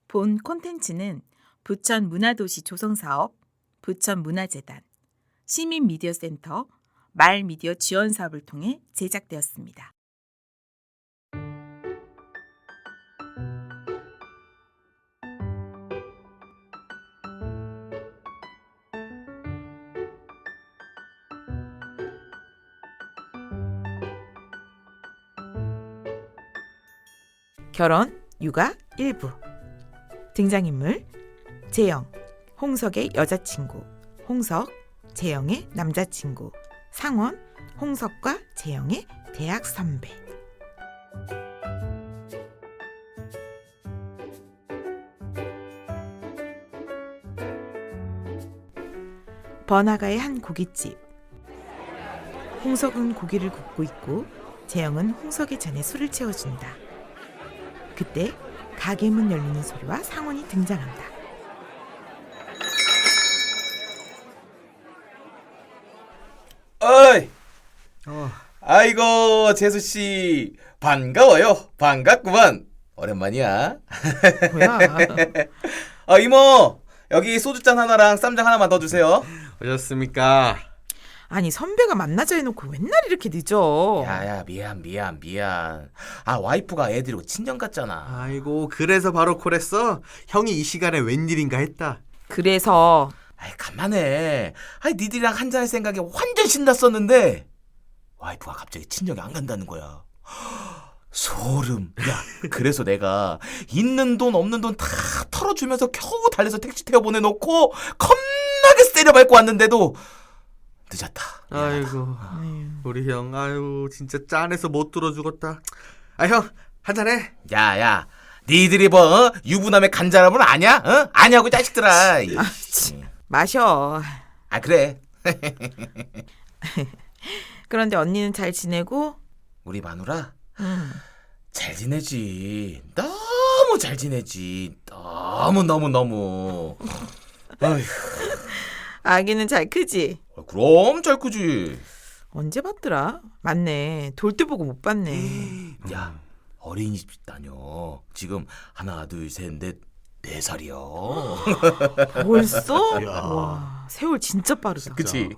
본 콘텐츠는 부천 문화도시 조성사업, 부천문화재단, 시민미디어센터, 말미디어 지원사업을 통해 제작되었습니다. 결혼, 육아, 일부. 등장인물 재영, 홍석의 여자친구, 홍석, 재영의 남자친구, 상원, 홍석과 재영의 대학 선배. 번화가의 한 고깃집. 홍석은 고기를 굽고 있고 재영은 홍석의 잔에 술을 채워준다. 그때 가게 문 열리는 소리와 상원이 등장한다. 어이! 아이고 재수씨 반가워요. 반갑구만. 오랜만이야. 뭐야? 이모 여기 소주잔 하나랑 쌈장 하나만 더 주세요. 오셨습니까? 아니 선배가 만나자 해놓고 맨날 이렇게 늦어. 야야 미안. 와이프가 애 데리고 친정 갔잖아. 아이고 그래서 바로 콜했어? 형이 이 시간에 웬일인가 했다. 그래서 간만에 니들이랑 한잔할 생각에 완전 신났었는데 와이프가 갑자기 친정에 안 간다는 거야. 소름. 야 그래서 내가 있는 돈 없는 돈 다 털어주면서 겨우 달래서 택시 태워 보내놓고 겁나게 세려밟고 왔는데도 늦었다. 아이고 우리 형 아유 진짜 짠해서 못 들어 죽었다. 형 한잔해. 야야 니들이 뭐 유부남의 간절함은 아냐? 어? 아냐고 자식들아. 마셔. 그래. 그런데 언니는 잘 지내고? 우리 마누라 응. 잘 지내지. 너무 잘 지내지. 너무. 아휴. 아기는 잘 크지? 그럼 잘 크지. 언제 봤더라? 맞네. 돌 때 보고 못 봤네. 야 어린이집 다녀. 지금 하나 둘 셋 넷 4살이야. 벌써? 야. 와, 세월 진짜 빠르다. 그치?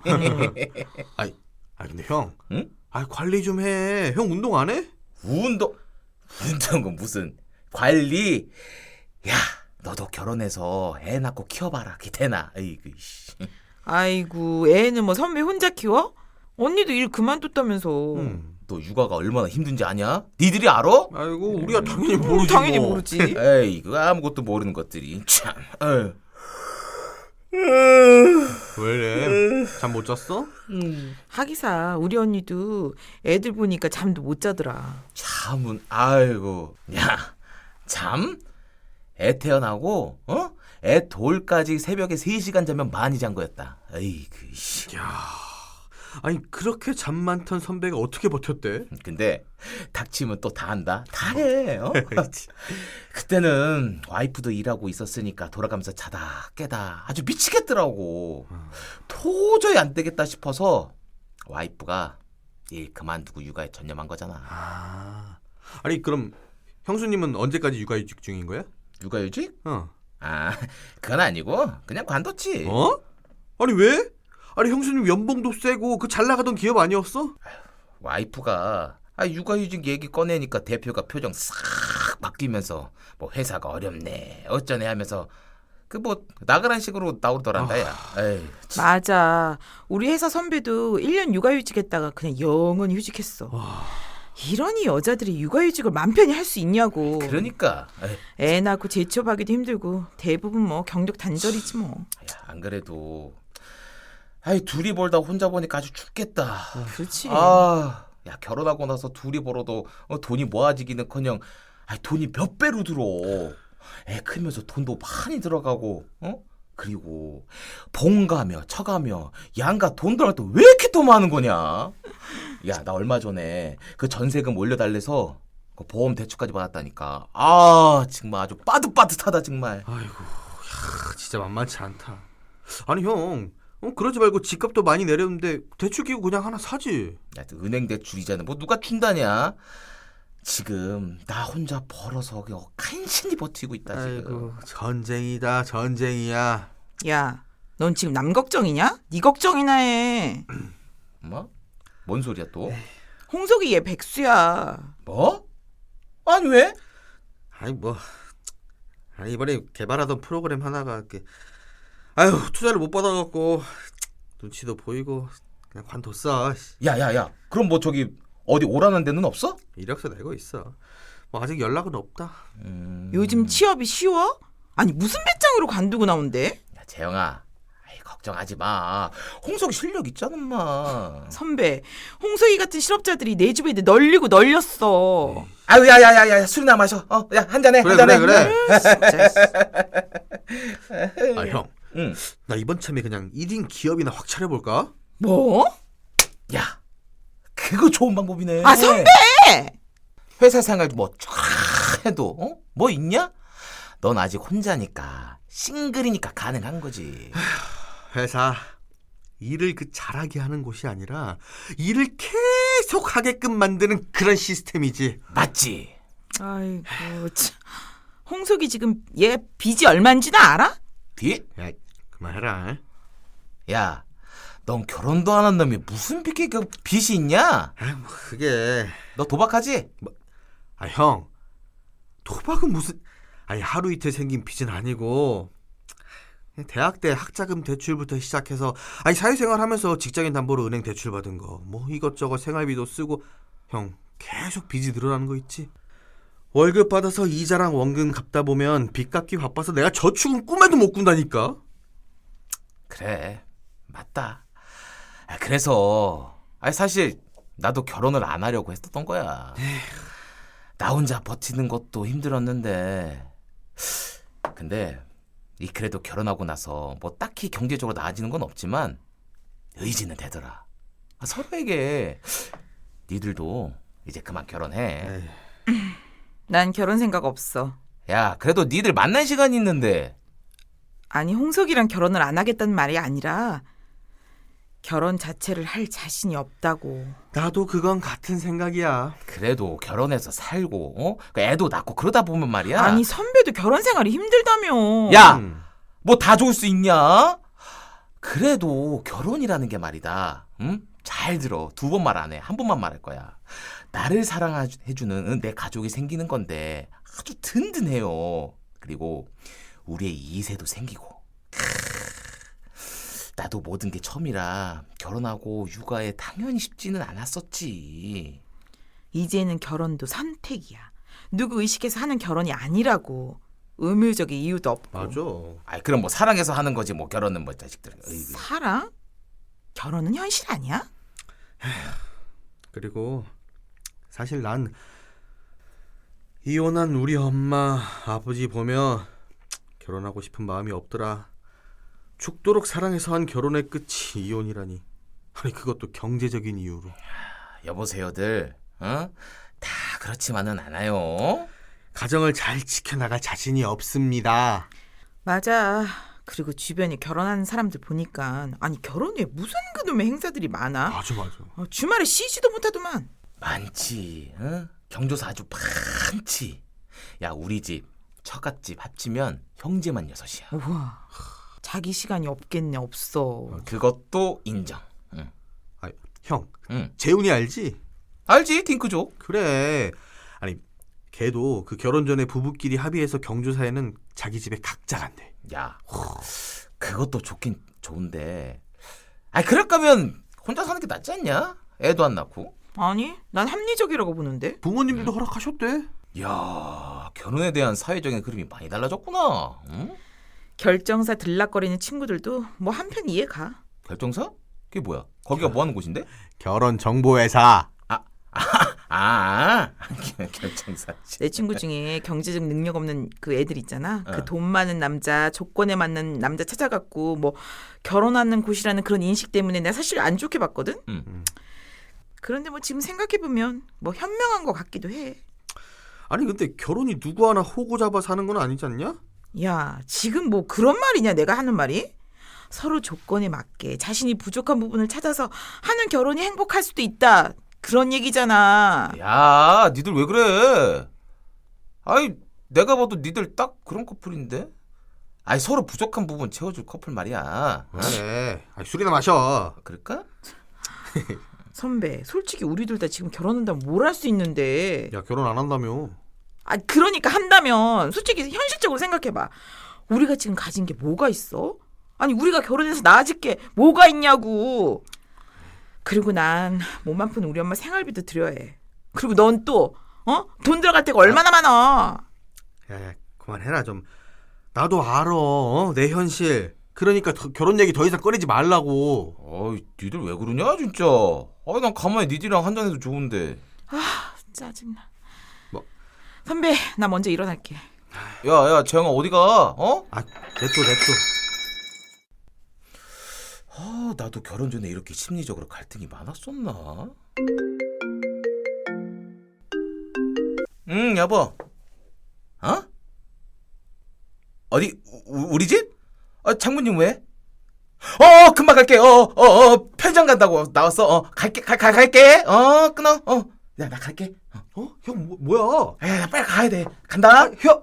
근데 형, 응? 관리 좀 해. 형 운동 안 해? 운동은 무슨 관리? 야 너도 결혼해서 애 낳고 키워봐라. 기대나. 아이고 씨. 아이고, 애는 뭐 선배 혼자 키워? 언니도 일 그만뒀다면서. 너 육아가 얼마나 힘든지 아냐? 니들이 알아? 아이고 우리가 당연히 모르지. 당연히 뭐. 모르지. 에이 그거 아무것도 모르는 것들이 참. 에휴. 왜래? 잠 못 잤어? 하기사 우리 언니도 애들 보니까 잠도 못 자더라. 잠은 아이고 야 잠? 애 태어나고 애 돌까지 새벽에 3시간 자면 많이 잔 거였다. 에이그 씨. 아니 그렇게 잠 많던 선배가 어떻게 버텼대? 근데 닥치면 또 다 한다. 다 해. 그때는 와이프도 일하고 있었으니까 돌아가면서 자다 깨다 아주 미치겠더라고. 도저히 안 되겠다 싶어서 와이프가 일 그만두고 육아에 전념한 거잖아. 아니 그럼 형수님은 언제까지 육아휴직 중인 거야? 육아휴직? 어. 그건 아니고 그냥 관뒀지. 아니 왜? 아니 형수님 연봉도 세고 그 잘 나가던 기업 아니었어? 와이프가 육아휴직 얘기 꺼내니까 대표가 표정 싹 바뀌면서 뭐 회사가 어렵네 어쩌네 하면서 그 뭐 나가란 식으로 나오더란다. 야. 에이, 맞아. 우리 회사 선배도 1년 육아휴직했다가 그냥 영원히 휴직했어. 이러니 여자들이 육아휴직을 맘 편히 할 수 있냐고. 그러니까. 애 낳고 재취업하기도 힘들고 대부분 뭐 경력 단절이지 뭐. 야, 안 그래도 둘이 벌다 혼자 보니까 아주 죽겠다. 그렇지. 야 결혼하고 나서 둘이 벌어도 돈이 모아지기는커녕 돈이 몇 배로 들어. 애 크면서 돈도 많이 들어가고 그리고 본가며 처가며 양가 돈 들어갈 때 왜 이렇게 또 많은 거냐. 야 나 얼마 전에 그 전세금 올려달래서 그 보험 대출까지 받았다니까. 정말 아주 빠듯빠듯하다 정말. 아이고 진짜 만만치 않다. 아니 형 그러지 말고 집값도 많이 내렸는데 대출 끼고 그냥 하나 사지. 야, 은행 대출 이자는 뭐 누가 준다냐? 지금 나 혼자 벌어서 간신히 버티고 있다 지금. 아이고 전쟁이다 전쟁이야. 야, 넌 지금 남 걱정이냐? 네 걱정이나 해. 뭐? 뭔 소리야 또? 홍석이 얘 백수야. 뭐? 아니 왜? 아니 뭐 이번에 개발하던 프로그램 하나가 아유 투자를 못 받아갖고 눈치도 보이고 그냥 관뒀어. 야야야. 그럼 뭐 저기 어디 오라는 데는 없어? 이력서 내고 있어. 뭐 아직 연락은 없다. 요즘 취업이 쉬워? 아니 무슨 배짱으로 관두고 나온대? 야 재영아. 아이, 걱정하지 마. 홍석이 실력 있잖아 엄마. 선배, 홍석이 같은 실업자들이 내 주변에 널리고 널렸어. 아유 야야야야 술이나 마셔. 야 한 잔해. 그래 한 잔해. 그래. 진짜. 아 형. 응. 나 이번 참에 그냥 1인 기업이나 확 차려볼까? 뭐? 야. 그거 좋은 방법이네. 아 선배! 회사 생활 뭐 쫙 해도 뭐 있냐? 넌 아직 혼자니까 싱글이니까 가능한 거지. 회사 일을 잘하게 하는 곳이 아니라 일을 계속 하게끔 만드는 그런 시스템이지. 맞지? 아이고 참. 홍석이 지금 얘 빚이 얼마인지는 알아? 뒤? 야 그만해라. 야, 넌 결혼도 안 한 놈이 무슨 빚이 있냐? 아 뭐 그게 너 도박하지? 아 형 도박은 무슨 아니 하루 이틀 생긴 빚은 아니고 대학 때 학자금 대출부터 시작해서 아니 사회생활 하면서 직장인 담보로 은행 대출 받은 거 뭐 이것저것 생활비도 쓰고 형 계속 빚이 늘어나는 거 있지. 월급 받아서 이자랑 원금 갚다 보면 빚 갚기 바빠서 내가 저축은 꿈에도 못 꾼다니까. 그래, 맞다. 그래서 사실 나도 결혼을 안 하려고 했었던 거야. 나 혼자 버티는 것도 힘들었는데 근데 그래도 결혼하고 나서 뭐 딱히 경제적으로 나아지는 건 없지만 의지는 되더라. 서로에게 니들도 이제 그만 결혼해. 난 결혼 생각 없어. 야, 그래도 니들 만날 시간이 있는데. 아니 홍석이랑 결혼을 안 하겠다는 말이 아니라 결혼 자체를 할 자신이 없다고. 나도 그건 같은 생각이야. 그래도 결혼해서 살고 애도 낳고 그러다 보면 말이야. 아니 선배도 결혼 생활이 힘들다며. 야, 뭐 다 좋을 수 있냐? 그래도 결혼이라는 게 말이다. 응? 잘 들어. 2번 말 안 해. 1번만 말할 거야. 나를 사랑해주는 내 가족이 생기는 건데 아주 든든해요. 그리고 우리의 2세도 생기고. 나도 모든 게 처음이라 결혼하고 육아에 당연히 쉽지는 않았었지. 이제는 결혼도 선택이야. 누구 의식해서 하는 결혼이 아니라고. 의무적인 이유도 없고. 맞아. 그럼 뭐 사랑해서 하는 거지 뭐 결혼은 뭐 자식들. 어이구. 사랑? 결혼은 현실 아니야? 그리고 사실 난 이혼한 우리 엄마 아버지 보며 결혼하고 싶은 마음이 없더라. 죽도록 사랑해서 한 결혼의 끝이 이혼이라니. 아니 그것도 경제적인 이유로. 여보세요들. 다 그렇지만은 않아요. 가정을 잘 지켜나갈 자신이 없습니다. 맞아. 그리고 주변에 결혼하는 사람들 보니까 아니 결혼에 무슨 그놈의 행사들이 많아. 맞아. 주말에 쉬지도 못하더만. 많지. 경조사 아주 많지. 야, 우리 집 처갓집 합치면 형제만 6이야. 우와. 자기 시간이 없겠네. 없어. 그것도 인정. 응. 아, 형 응. 재훈이 알지? 알지? 딩크족. 그래. 아니 걔도 그 결혼 전에 부부끼리 합의해서 경조사에는 자기 집에 각자 간대. 야, 그것도 좋긴 좋은데. 그럴 거면 혼자 사는 게 낫지 않냐? 애도 안 낳고. 아니 난 합리적이라고 보는데. 부모님들도 허락하셨대. 야, 결혼에 대한 사회적인 그림이 많이 달라졌구나. 응? 결정사 들락거리는 친구들도 뭐 한편 이해가. 결정사? 그게 뭐야? 거기가 뭐 하는 곳인데? 결혼 정보회사. 결정사. 내 친구 중에 경제적 능력 없는 그 애들 있잖아. 그 돈 많은 남자, 조건에 맞는 남자 찾아갖고 뭐 결혼하는 곳이라는 그런 인식 때문에 내가 사실 안 좋게 봤거든. 그런데 뭐 지금 생각해보면 뭐 현명한 것 같기도 해. 아니 근데 결혼이 누구 하나 호구 잡아 사는 건 아니지 않냐? 야, 지금 뭐 그런 말이냐 내가 하는 말이? 서로 조건에 맞게 자신이 부족한 부분을 찾아서 하는 결혼이 행복할 수도 있다. 그런 얘기잖아. 야, 니들 왜 그래? 아이, 내가 봐도 니들 딱 그런 커플인데? 아이, 서로 부족한 부분 채워줄 커플 말이야. 그래. 술이나 마셔. 그럴까? 선배, 솔직히 우리들 다 지금 결혼한다면 뭘 할 수 있는데. 야, 결혼 안 한다며. 아, 그러니까 한다면 솔직히 현실적으로 생각해봐. 우리가 지금 가진 게 뭐가 있어? 아니, 우리가 결혼해서 나아질 게 뭐가 있냐고. 그리고 난 몸 아픈 우리 엄마 생활비도 드려야 해. 그리고 넌 또 돈 들어갈 데가 얼마나 많아. 야, 그만해라 좀. 나도 알아. 내 현실. 그러니까 결혼 얘기 더 이상 꺼내지 말라고. 어이, 니들 왜 그러냐 진짜. 아이, 난 가만히 니들이랑 한잔해도 좋은데. 짜증나. 뭐? 선배, 나 먼저 일어날게. 야, 재영아 어디가? 냅둬. 나도 결혼 전에 이렇게 심리적으로 갈등이 많았었나? 여보. 어디 우리 집? 장모님 왜? 금방 갈게. 편의점 간다고 나왔어. 갈게. 끊어. 야, 나 갈게. 형 뭐야? 야, 나 빨리 가야 돼. 간다. 형!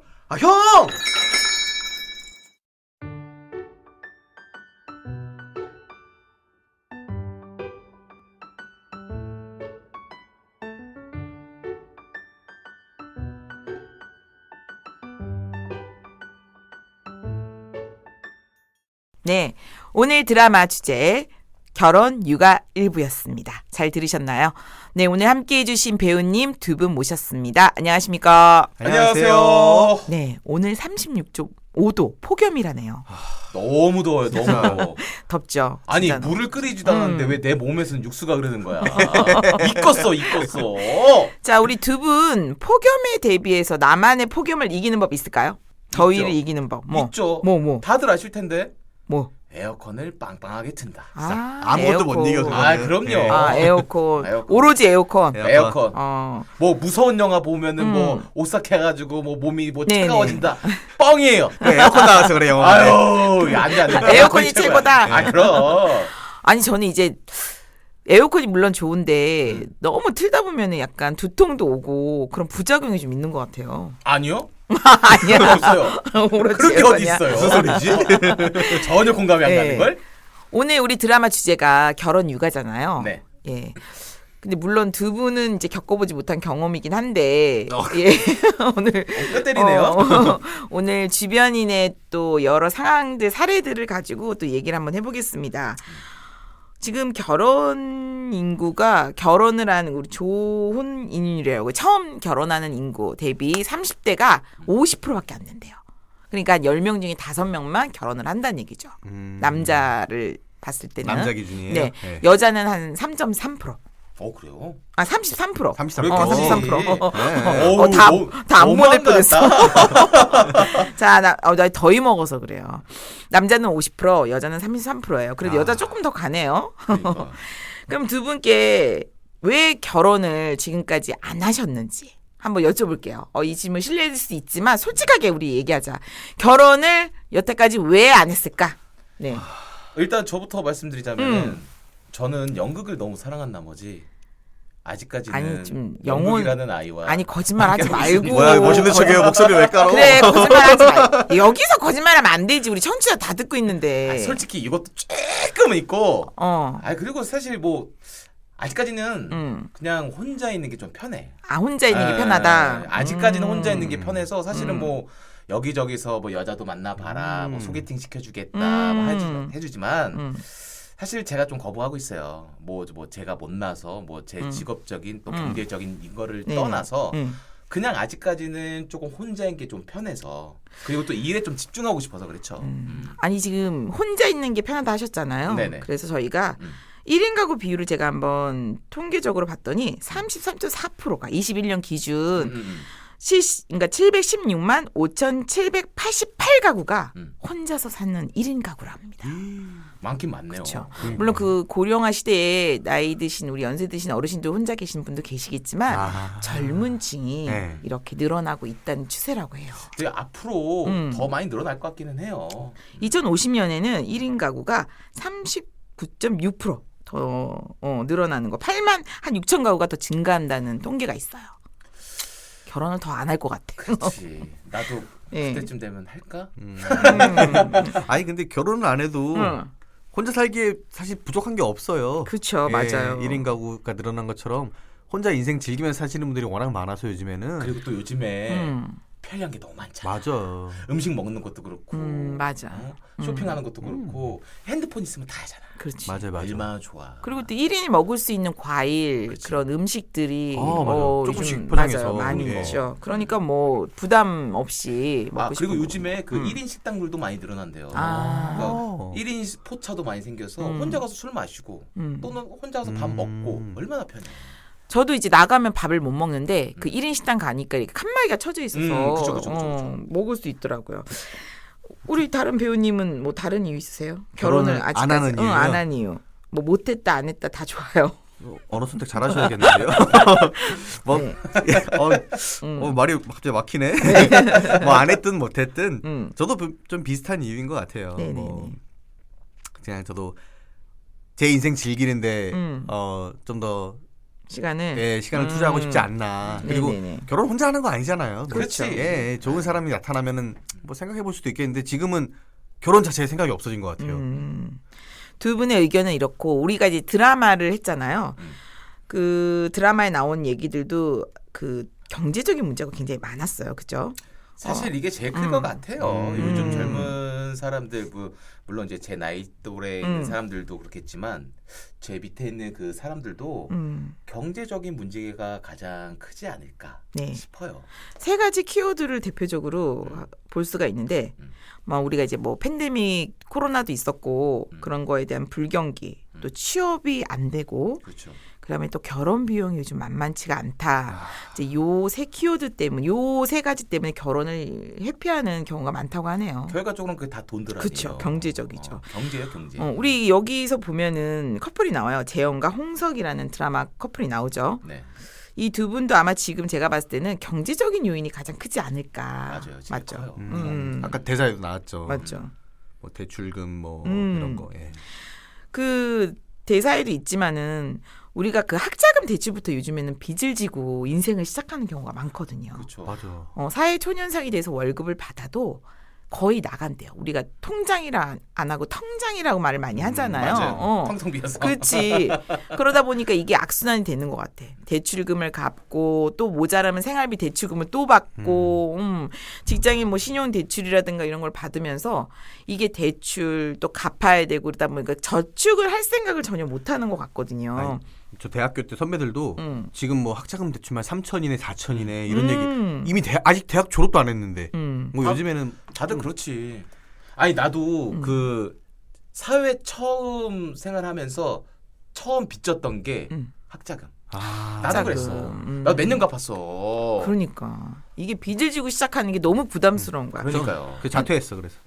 네, 오늘 드라마 주제 결혼 육아 일부였습니다. 잘 들으셨나요? 네, 오늘 함께해 주신 배우님 두 분 모셨습니다. 안녕하십니까? 안녕하세요. 네, 오늘 36.5도 폭염이라네요. 너무 더워요. 너무 더워. 덥죠? 아니, 진짜. 물을 끓이지도 않았는데 왜 내 몸에서는 육수가 흐르는 거야? 익었어. 자, 우리 두 분 폭염에 대비해서 나만의 폭염을 이기는 법 있을까요? 더위를 있죠. 이기는 법. 있죠. 뭐. 다들 아실 텐데. 뭐. 에어컨을 빵빵하게 튼다. 아무것도 못 에어컨. 이겨. 그거는. 그럼요. 예. 에어컨. 에어컨. 오로지 에어컨. 에어컨. 어. 뭐 무서운 영화 보면은 뭐 오싹해가지고 뭐 몸이 뭐 네네. 차가워진다. 뻥이에요. 그래, 에어컨 나와서 그래 영화. 아유, 안 돼. 에어컨이 최고다. 그럼. 아니, 저는 이제 에어컨이 물론 좋은데 너무 틀다 보면은 약간 두통도 오고 그런 부작용이 좀 있는 것 같아요. 아니요. 아니야. 없어요. 오로지 그런 게 어디 에어컨이야. 있어요? 무슨 소리지? 전혀 공감이 안 네. 가는 걸. 오늘 우리 드라마 주제가 결혼 육아잖아요. 네. 예. 근데 물론 두 분은 이제 겪어보지 못한 경험이긴 한데, 예. 오늘 뼈 때리네요. 오늘 주변인의 또 여러 상황들 사례들을 가지고 또 얘기를 한번 해보겠습니다. 지금 결혼 인구가 결혼을 하는 우리 조혼인율이라고 처음 결혼하는 인구 대비 30대가 50%밖에 안 된대요. 그러니까 10명 중에 5명만 결혼을 한다는 얘기죠. 남자를 봤을 때는. 남자 기준이에요? 네. 네. 여자는 한 3.3%. 그래요? 33%. 33%. 33%. 네. 다안 보낼 너무한다. 뻔했어. 자, 나 더위 먹어서 그래요. 남자는 50%, 여자는 33%예요. 그래도 여자 조금 더 가네요. 그러니까. 그럼 두 분께 왜 결혼을 지금까지 안 하셨는지 한번 여쭤볼게요. 이 질문 실례일 수 있지만 솔직하게 우리 얘기하자. 결혼을 여태까지 왜 안 했을까? 네. 일단 저부터 말씀드리자면은 저는 연극을 너무 사랑한 나머지 아직까지는 아니, 좀 영국이라는 아이와 아니, 거짓말하지 말고. 뭐야, 멋있는 척해요. 목소리 왜 깔아? 그래, 거짓말하지 말. 여기서 거짓말하면 안 되지. 우리 청취자 다 듣고 있는데. 아니, 솔직히 이것도 조금은 있고. 어. 그리고 사실 뭐 아직까지는 그냥 혼자 있는 게 좀 편해. 혼자 있는 게 편하다. 아직까지는 혼자 있는 게 편해서 사실은 뭐 여기저기서 뭐 여자도 만나봐라, 뭐 소개팅 시켜주겠다, 뭐 해주지만 사실 제가 좀 거부하고 있어요. 뭐 제가 못나서 뭐 제 직업적인 또 경제적인 이거를 네. 떠나서 그냥 아직까지는 조금 혼자인 게 좀 편해서 그리고 또 일에 좀 집중하고 싶어서 그렇죠. 아니, 지금 혼자 있는 게 편하다 하셨잖아요. 네네. 그래서 저희가 1인 가구 비율을 제가 한번 통계적으로 봤더니 33.4%가 21년 기준 그러니까 716만 5,788가구가 혼자서 사는 1인 가구랍니다. 많긴 많네요. 그렇죠. 물론 그 고령화 시대에 나이 드신 우리 연세 드신 어르신들 혼자 계신 분도 계시겠지만 젊은 층이 네. 이렇게 늘어나고 있다는 추세라고 해요. 근데 앞으로 더 많이 늘어날 것 같기는 해요. 2050년에는 1인 가구가 39.6% 더 늘어나는 거. 8만 한 6천 가구가 더 증가한다는 통계가 있어요. 결혼을 더 안 할 것 같아. 그렇지. 나도 예. 그때쯤 되면 할까? 아니 근데 결혼을 안 해도 혼자 살기에 사실 부족한 게 없어요. 그렇죠, 맞아요. 1인 가구가 늘어난 것처럼 혼자 인생 즐기면서 사시는 분들이 워낙 많아서 요즘에는. 그리고 또 요즘에 편리한 게 너무 많잖아. 맞아. 음식 먹는 것도 그렇고, 맞아. 쇼핑하는 것도 그렇고, 핸드폰 있으면 다 하잖아. 그렇지. 맞아요. 얼마나 좋아. 그리고 또 1인이 먹을 수 있는 과일 그치. 그런 음식들이 맞아. 조금씩 요즘 포장해서. 맞아요. 많이 예. 있죠. 그러니까 뭐 부담 없이 먹고 그리고 싶은 요즘에 그 1인 식당들도 많이 늘어난대요. 아. 그러니까 1인 포차도 많이 생겨서 혼자 가서 술 마시고 또는 혼자 가서 밥 먹고 얼마나 편해. 저도 이제 나가면 밥을 못 먹는데 그 1인 식당 가니까 이렇게 칸막이가 쳐져 있어서 그쵸. 먹을 수 있더라고요. 우리 다른 배우님은 뭐 다른 이유 있으세요? 결혼을 아직까지 안 하는 이유요? 안 한 이유. 뭐 못했다 안 했다 다 좋아요. 언어 선택 잘하셔야겠는데요. 뭐 네. 말이 갑자기 막히네. 뭐 안 했든 못했든 저도 좀 비슷한 이유인 것 같아요. 네네네. 뭐 그냥 저도 제 인생 즐기는데 좀 더 시간을 시간을 투자하고 싶지 않나. 그리고 네네네. 결혼 혼자 하는 거 아니잖아요. 그렇지. 좋은 사람이 나타나면은 뭐 생각해 볼 수도 있겠는데 지금은 결혼 자체에 생각이 없어진 것 같아요. 두 분의 의견은 이렇고 우리가 이제 드라마를 했잖아요. 그 드라마에 나온 얘기들도 그 경제적인 문제가 굉장히 많았어요. 그죠? 사실 이게 제일 클 것 같아요. 요즘 젊은 사람들, 물론 이제 제 나이 또래 있는 사람들도 그렇겠지만 제 밑에 있는 그 사람들도 경제적인 문제가 가장 크지 않을까 네. 싶어요. 세 가지 키워드를 대표적으로 볼 수가 있는데 뭐 우리가 이제 뭐 팬데믹 코로나도 있었고 그런 거에 대한 불경기 또 취업이 안 되고 그렇죠. 그다음에 또 결혼 비용이 요즘 만만치가 않다. 이제 요 세 키워드 때문에 요 세 가지 때문에 결혼을 회피하는 경우가 많다고 하네요. 결과적으로는 그게 다 돈들 아니에요. 그렇죠. 경제적이죠. 경제예요, 경제. 우리 여기서 보면은 커플이 나와요. 재영과 홍석이라는 드라마 커플이 나오죠. 네. 이 두 분도 아마 지금 제가 봤을 때는 경제적인 요인이 가장 크지 않을까. 맞아요. 제일 맞죠. 커요. 아까 대사에도 나왔죠. 맞죠. 뭐 대출금 뭐 이런 거. 예. 그 대사에도 있지만은 우리가 그 학자금 대출부터 요즘에는 빚을 지고 인생을 시작하는 경우가 많거든요. 그렇죠. 맞아. 사회 초년생이 돼서 월급을 받아도 거의 나간대요. 우리가 통장이라 안 하고 텅장이라고 말을 많이 하잖아요. 맞아요. 텅텅 비어서. 그렇지. 그러다 보니까 이게 악순환이 되는 것 같아. 대출금을 갚고 또 모자라면 생활비 대출금을 또 받고 직장인 뭐 신용 대출이라든가 이런 걸 받으면서 이게 대출 또 갚아야 되고 그러다 보니까 저축을 할 생각을 전혀 못 하는 것 같거든요. 아니, 저 대학교 때 선배들도 지금 뭐 학자금 대출만 3천이네 4천이네 이런 얘기 이미 아직 대학 졸업도 안 했는데 뭐 요즘에는 다들 그렇지. 아니 나도 그 사회 처음 생활하면서 처음 빚졌던 게 학자금. 나도 학자금. 그랬어. 나 몇 년 갚았어. 그러니까 이게 빚을 지고 시작하는 게 너무 부담스러운 거야. 그러니까요. 그 자퇴했어 그래서.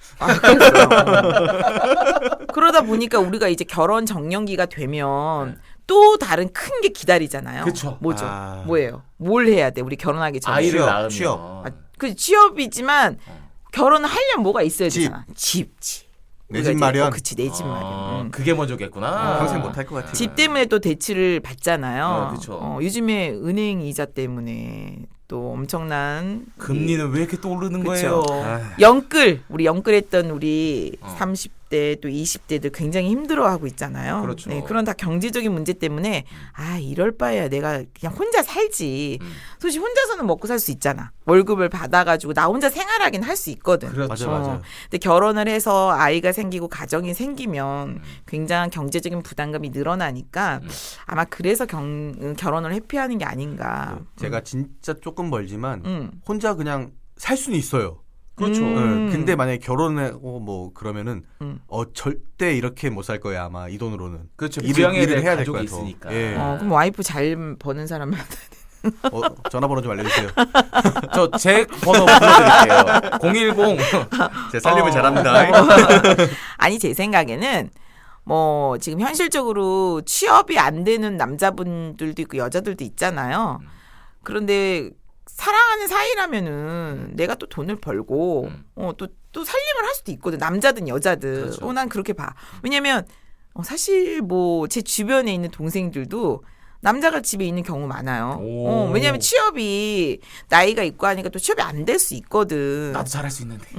그러다 보니까 우리가 이제 결혼 정년기가 되면 또 다른 큰 게 기다리잖아요. 그쵸. 뭐죠? 뭐예요? 뭘 해야 돼? 우리 결혼하기 전에. 아이를 취업, 낳으면 취업. 그 취업이지만 결혼을 하려면 뭐가 있어야 집. 되잖아. 집. 내 우리가 집 이제 마련. 그치, 내 집 마련. 그게 먼저겠구나. 평생 못 할 것 같아. 집 때문에 또 대출을 받잖아요. 그쵸. 요즘에 은행 이자 때문에 또 엄청난 금리는 왜 이렇게 또 오르는 그쵸. 거예요? 우리 영끌했던 우리 30대 또 20대들 굉장히 힘들어하고 있잖아요. 그렇죠. 네, 그런 다 경제적인 문제 때문에 이럴 바에야 내가 그냥 혼자 살지. 솔직히 혼자서는 먹고 살 수 있잖아. 월급을 받아가지고 나 혼자 생활하긴 할 수 있거든. 그렇죠. 맞아. 근데 결혼을 해서 아이가 생기고 가정이 생기면 굉장한 경제적인 부담감이 늘어나니까 아마 그래서 결혼을 회피하는 게 아닌가. 제가 진짜 조금 멀지만 혼자 그냥 살 수는 있어요. 그렇죠. 근데 만약에 결혼하고 뭐 그러면은 절대 이렇게 못 살 거야 아마 이 돈으로는. 그렇죠. 일을 부양해야 될 해야 될 가족이 거야, 더. 있으니까. 예. 그럼 와이프 잘 버는 사람 만나야 돼. 전화번호 좀 알려주세요. 저 제 번호 불러드릴게요. 010. 제 살림을 잘합니다. 아니 제 생각에는 뭐 지금 현실적으로 취업이 안 되는 남자분들도 있고 여자들도 있잖아요. 그런데 사랑하는 사이라면은 내가 또 돈을 벌고 또 살림을 할 수도 있거든. 남자든 여자든. 그렇죠. 난 그렇게 봐. 왜냐면 사실 뭐 제 주변에 있는 동생들도 남자가 집에 있는 경우 많아요. 왜냐하면 취업이 나이가 있고 하니까 또 취업이 안 될 수 있거든. 나도 잘할 수 있는데.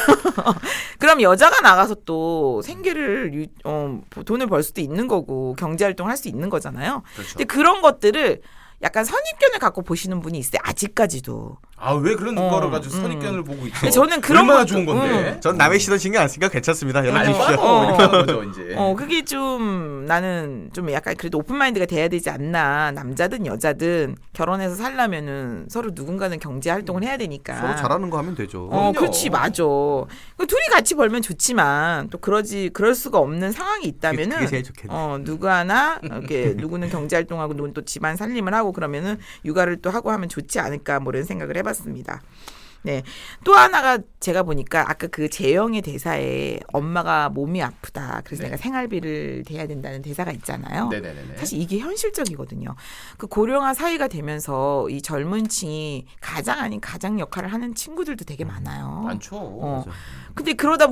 그럼 여자가 나가서 또 생계를 돈을 벌 수도 있는 거고 경제 활동을 할 수 있는 거잖아요. 그렇죠. 근데 그런 것들을 약간 선입견을 갖고 보시는 분이 있어요. 아직까지도. 아 왜 그런 거를 가지고 선입견을 보고 있어? 근데 저는 그런 얼마나 것도- 좋은 건데. 전 남의 시선 신경 안 쓰니까 괜찮습니다. 연락 아니 주십시오. 빠져 이렇게 하는 거죠 이제. 그게 좀 나는 좀 약간 그래도 오픈 마인드가 돼야 되지 않나. 남자든 여자든 결혼해서 살려면은 서로 누군가는 경제 활동을 해야 되니까. 서로 잘하는 거 하면 되죠. 그럼요. 그렇지 맞아. 둘이 같이 벌면 좋지만 또 그럴 수가 없는 상황이 있다면은 그게 제일 좋겠네. 누구 하나 이렇게 누구는 경제 활동하고 누구는 또 집안 살림을 하고 그러면은 육아를 또 하고 하면 좋지 않을까 뭐 이런 생각을 해봤습니다. 네. 또 하나가 제가 보니까 아까 그 재영의 대사에 엄마가 몸이 아프다. 그래서 네. 내가 생활비를 대야 된다는 대사가 있잖아요. 네네네. 사실 이게 현실적이거든요. 그 고령화 사회가 되면서 이 젊은 층이 가장 아닌 가장 역할을 하는 친구들도 되게 많아요. 많죠. 맞아. 근데 그러다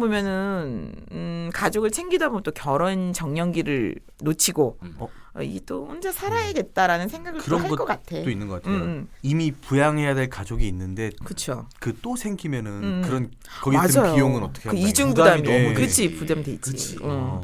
보면은 가족을 챙기다 보면 또 결혼 정년기를 놓치고 이 또 혼자 살아야겠다라는 생각을 또 그런 할 것 같아. 또 있는 것 같아요. 음. 이미 부양해야 될 가족이 있는데 그렇죠. 그 또 생기면은 음. 그런 거기 맞아요. 드는 비용은 어떻게 그 할까요? 이중 부담이 부담이 너무 그렇지 되지. 부담되지. 그치.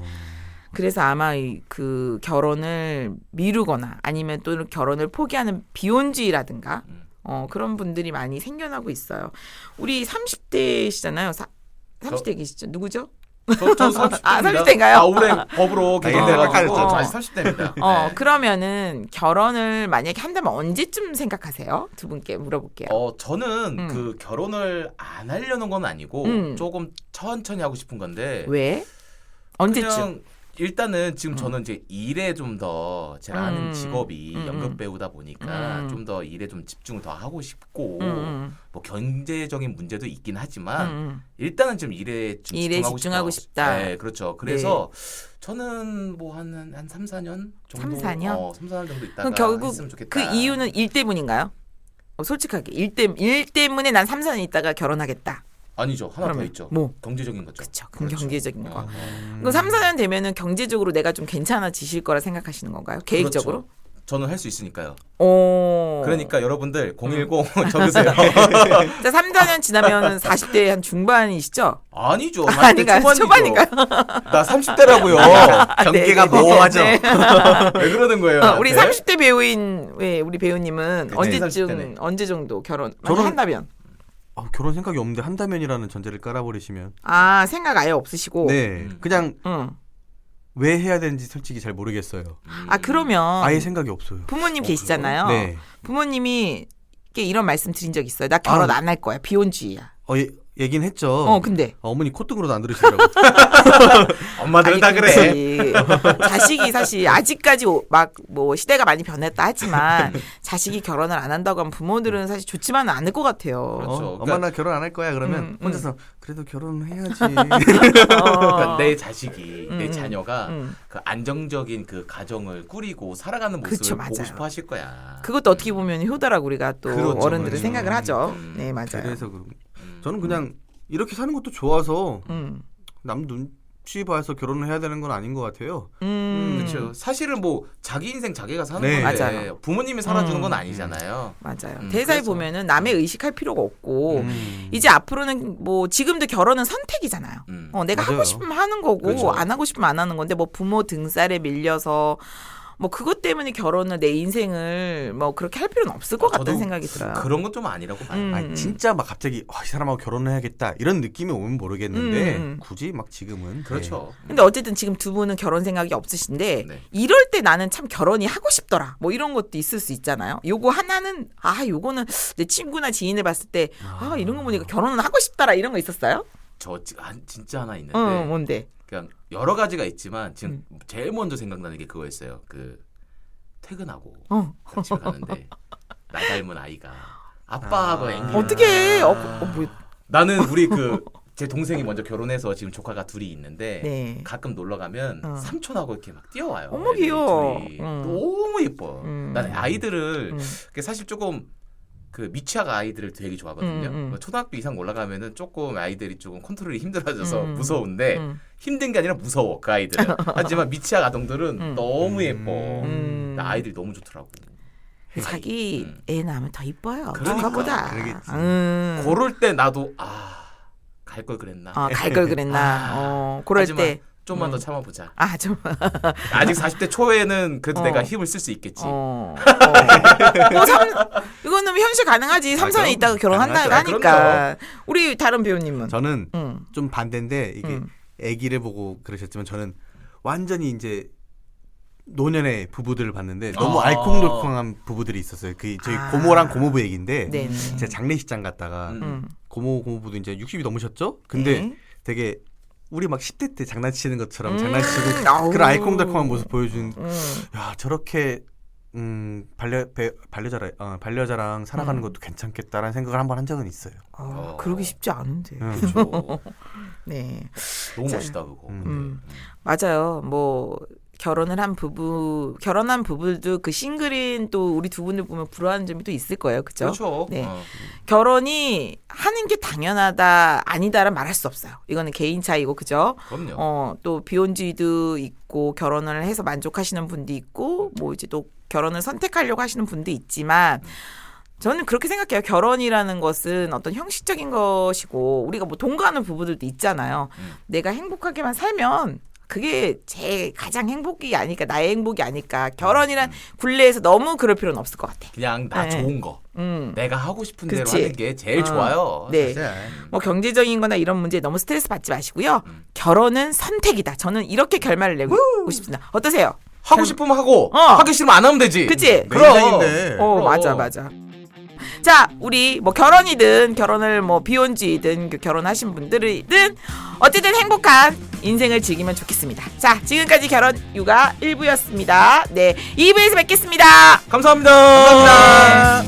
그래서 아마 그 결혼을 미루거나 아니면 또 결혼을 포기하는 비혼주의라든가 그런 분들이 많이 생겨나고 있어요. 우리 30대시잖아요. 30대 계시죠? 누구죠? 저 30대입니다. 30대인가요? 올해 법으로 개정돼가지고 헷갈렸죠. 아직 30대입니다. 그러면은 결혼을 만약에 한다면 언제쯤 생각하세요? 두 분께 물어볼게요. 저는 그 결혼을 안 하려는 건 아니고 조금 천천히 하고 싶은 건데 왜? 언제쯤? 그냥 일단은 지금 저는 이제 일에 좀 더 제가 하는 직업이 연극 배우다 보니까 좀 더 일에 좀 집중을 더 하고 싶고 뭐 경제적인 문제도 있긴 하지만 일단은 좀 일에 좀 일에 집중하고 싶다. 네, 그렇죠. 그래서 저는 뭐 한 3, 4년 정도 3, 4년? 3, 4년 정도 있다가 그럼 결국 했으면 좋겠다. 그 이유는 일 때문인가요? 솔직하게 일 때문에 난 3, 4년 있다가 결혼하겠다. 아니죠. 하나 더 그러면 있죠. 뭐? 경제적인 거죠. 그렇죠. 그럼 그렇죠. 경제적인 거. 어. 그럼 3, 4년 되면은 경제적으로 내가 좀 괜찮아지실 거라 생각하시는 건가요? 계획적으로? 그렇죠. 저는 할 수 있으니까요. 오. 그러니까 여러분들 010 적으세요. 자, 3, 4년 지나면 40대 한 중반이시죠? 아니죠. 아닌가요? 40대 초반인가요? 나 30대라고요. 경계가 네, 네, 모호하죠. 네. 왜 그러는 거예요? 우리 나한테? 30대 배우인 우리 배우님은 그치, 언제쯤 30대네. 언제 정도 결혼 저는- 한다면? 결혼 생각이 없는데 한다면이라는 전제를 깔아버리시면 생각 아예 없으시고. 네 그냥 응. 왜 해야 되는지 솔직히 잘 모르겠어요. 그러면 아예 생각이 없어요. 부모님 계시잖아요. 네. 부모님이 이런 말씀 드린 적 있어요. 나 결혼 안 할 거야. 비혼주의야. 얘긴 했죠. 근데 어머니 콧등으로도 안 들으시더라고. 엄마들은 다 그래. 그렇지. 자식이 사실 아직까지 막 뭐 시대가 많이 변했다 하지만 자식이 결혼을 안 한다고 하면 부모들은 사실 좋지만은 않을 것 같아요. 그렇죠. 엄마 나 결혼 안 할 거야 그러면 음, 혼자서 그래도 결혼해야지. 그러니까 내 자식이 내 자녀가 그 안정적인 그 가정을 꾸리고 살아가는 모습을 그쵸, 보고 맞아요. 싶어 하실 거야. 그것도 어떻게 보면 효도라고 우리가 또 그렇죠, 어른들은 그렇죠. 생각을 하죠. 네, 맞아요. 그래서 저는 그냥 이렇게 사는 것도 좋아서 음. 남 눈치 봐서 결혼을 해야 되는 건 아닌 것 같아요. 그렇죠. 사실은 뭐 자기 인생 자기가 사는 네. 건데 맞아요. 부모님이 살아주는 건 아니잖아요. 맞아요. 대사에 그래서. 보면은 남의 의식할 필요가 없고 이제 앞으로는 뭐 지금도 결혼은 선택이잖아요. 내가 맞아요. 하고 싶으면 하는 거고 그렇죠. 안 하고 싶으면 안 하는 건데 뭐 부모 등살에 밀려서 뭐 그것 때문에 결혼을 내 인생을 뭐 그렇게 할 필요는 없을 것 같다는 저도 생각이 들어요. 그런 건 좀 아니라고 봐요. 아니, 진짜 막 갑자기 이 사람하고 결혼을 해야겠다 이런 느낌이 오면 모르겠는데 굳이 막 지금은 그렇죠. 근데 어쨌든 지금 두 분은 결혼 생각이 없으신데 네. 이럴 때 나는 참 결혼이 하고 싶더라. 뭐 이런 것도 있을 수 있잖아요. 요거 하나는 요거는 내 친구나 지인을 봤을 때 이런 거 보니까 결혼은 하고 싶더라 이런 거 있었어요? 진짜 하나 있는데 뭔데? 그냥 여러 가지가 있지만 지금 제일 먼저 생각나는 게 그거였어요. 그 퇴근하고 집에 가는데 나 닮은 아이가 아빠하고 앵기. 어떻게? 뭐, 나는 우리 제 동생이 먼저 결혼해서 지금 조카가 둘이 있는데 네. 가끔 놀러 가면 삼촌하고 이렇게 막 뛰어와요. 어머, 애들이 귀여워. 둘이. 너무 예뻐. 나는 아이들을 사실 조금 그 미취학 아이들을 되게 좋아하거든요. 초등학교 이상 올라가면은 조금 아이들이 조금 컨트롤이 힘들어져서 무서운데 힘든 게 아니라 무서워 그 아이들은. 하지만 미취학 아동들은 너무 예뻐. 아이들이 너무 좋더라고. 자기 애 낳으면 더 이뻐요. 그러니까. 조카보다. 그럴 때 나도 갈 걸 그랬나. 갈 걸 그랬나. 그럴 하지만 때. 좀만 더 참아보자. 좀. 아직 40대 초에는 그래도 내가 힘을 쓸 수 있겠지. 이거는 현실 가능하지. 3, 4년 있다가 결혼한다고 하니까. 우리 다른 배우님은? 저는 좀 반대인데 이게 아기를 보고 그러셨지만 저는 완전히 이제 노년의 부부들을 봤는데 너무 알콩달콩한 부부들이 있었어요. 그 저희 고모랑 고모부 얘기인데 제가 장례식장 갔다가 고모부도 이제 60이 넘으셨죠? 근데 되게 우리 막 10대 때 장난치는 것처럼 장난치고 그런 알콩달콩한 모습 보여준 야 저렇게 반려자랑 살아가는 것도 괜찮겠다라는 생각을 한번 한 적은 있어요. 그러기 쉽지 않은데. 그렇죠. 네. 너무 멋있다 그거. 맞아요. 뭐 결혼한 부부들도 그 싱글인 또 우리 두 분들 보면 부러워하는 점이 또 있을 거예요. 그죠? 그렇죠. 네. 결혼이 하는 게 당연하다 아니다라 말할 수 없어요. 이거는 개인 차이고 그죠? 그럼요. 또 비혼주의도 있고 결혼을 해서 만족하시는 분도 있고 뭐 이제 또 결혼을 선택하려고 하시는 분도 있지만 저는 그렇게 생각해요. 결혼이라는 것은 어떤 형식적인 것이고 우리가 뭐 동거하는 부부들도 있잖아요. 내가 행복하게만 살면 그게 제 가장 행복이 아닐까, 나의 행복이 아닐까. 결혼이란 굴레에서 너무 그럴 필요는 없을 것 같아. 그냥 나 좋은 거. 내가 하고 싶은 그치. 대로 하는 게 제일 좋아요. 네. 사실. 뭐 경제적인 거나 이런 문제에 너무 스트레스 받지 마시고요. 결혼은 선택이다. 저는 이렇게 결말을 내고 싶습니다. 어떠세요? 하고 싶으면 하고 하기 싫으면 안 하면 되지. 그치? 그럼. 맞아. 자, 우리 뭐 결혼이든 결혼을 뭐 비혼주의든 결혼하신 분들이든 어쨌든 행복한 인생을 즐기면 좋겠습니다. 자, 지금까지 결혼 육아 1부였습니다. 네, 2부에서 뵙겠습니다. 감사합니다. 감사합니다.